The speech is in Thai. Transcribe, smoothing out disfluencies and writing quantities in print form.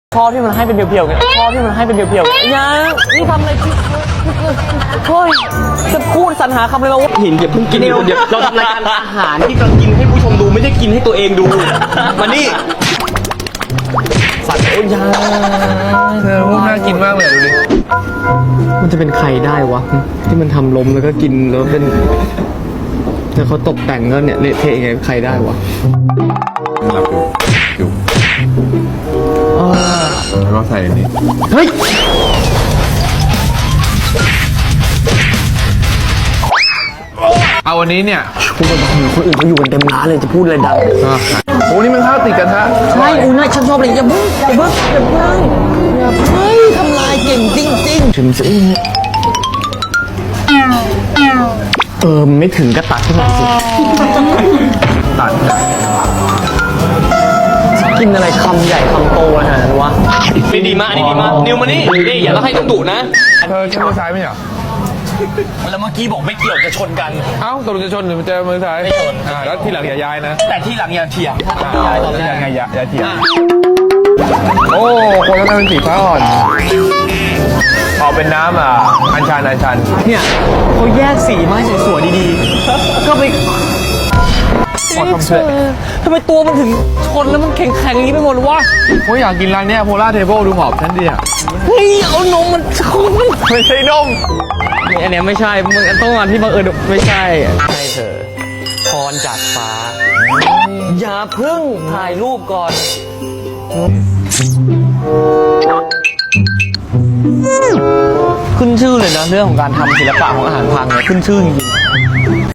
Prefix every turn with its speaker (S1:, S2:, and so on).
S1: ชอบที่มันให้เป็นเพียวๆกันชอบที่มันให้เป็นเพียวๆกันยังนี่ทำอะไรโอ้ยจะพูดสรรหาคำเลยมาว่าหินเดี๋ยวเพิ่งกินเดี๋ยวเราทำรายการอาหารที่เรากินให้ผู้ชมดูไม่ได้กินให้ตัวเองดูมานี่สัตว์โอ้ยยัง
S2: เธอพวกน่ากินมากเลยดูดิ
S1: มันจะเป็นใครได้วะที่มันทำล้มแล้วก็กินแล้วเป็นแต่เขาตกแต่งก็เนี่ยเละเทะยังไงใครได้วะ
S2: หลับอยู่แล้วก็ใส่นี่
S1: เฮ้ย
S2: เอาวันนี้เนี่ย
S1: พูดไปบอกคนอื่นเขาอยู่กันเต็มร้านเลยจะพูดอะไรดัง
S2: โอ้นี่มันข้าวติดกระทะ
S1: ใช่อุ้ยน่าฉันชอบเลยอย่าเพิ่งทำลายเก่งจริงๆถึงสิไม่ถึงก็ตัดขึ้นมาสิ
S2: ตัด
S1: กินอะไรคำใหญ่คำโตขนาดนั้นวะนี่ดีมากนี่ดีมากนิวมานี่อย่าแล้วให้ต้องดุนะ
S2: เธอจะมือซ้ายไหมเหรอ
S1: แล้วเมื่อกี้บอกไม่เกี่ยวจะชนกัน
S2: เอ้าตกลงจะชนหรือจะมือซ้าย
S1: ไม่ชน
S2: แล้วทีหลังอย่าย้ายนะ
S1: แต่ทีหลังอย่าเถียงย้ายตอนแรก
S2: ไงอย่าเถียงโอ้คนนั้นเป็นสีฟ้าอ่อนออกเป็นน้ำอัญชัน
S1: เนี่ยเขาแยกสีมาสวยๆดีๆก็ไปทำไมตัวมันถึงชนแล้วมันแข็งๆอย่างนี้ไปหมดวะ
S2: โอ้ยอยากกินร้านนี้โพล่าเทเบิลดูหอมฉันดิ
S1: เฮ้ยเอานมมันชน
S2: ไม่ใช่นม
S1: อันนี้ไม่ใช่มึงต้องมาที่บังเอิญไม่ใช่ใช่เธอพรจากฟ้าอย่าเพิ่งถ่ายรูปก่อนขึ้นชื่อเลยนะเรื่องของการทำศิลปะของอาหารพังเนี่ยขึ้นชื่อจริง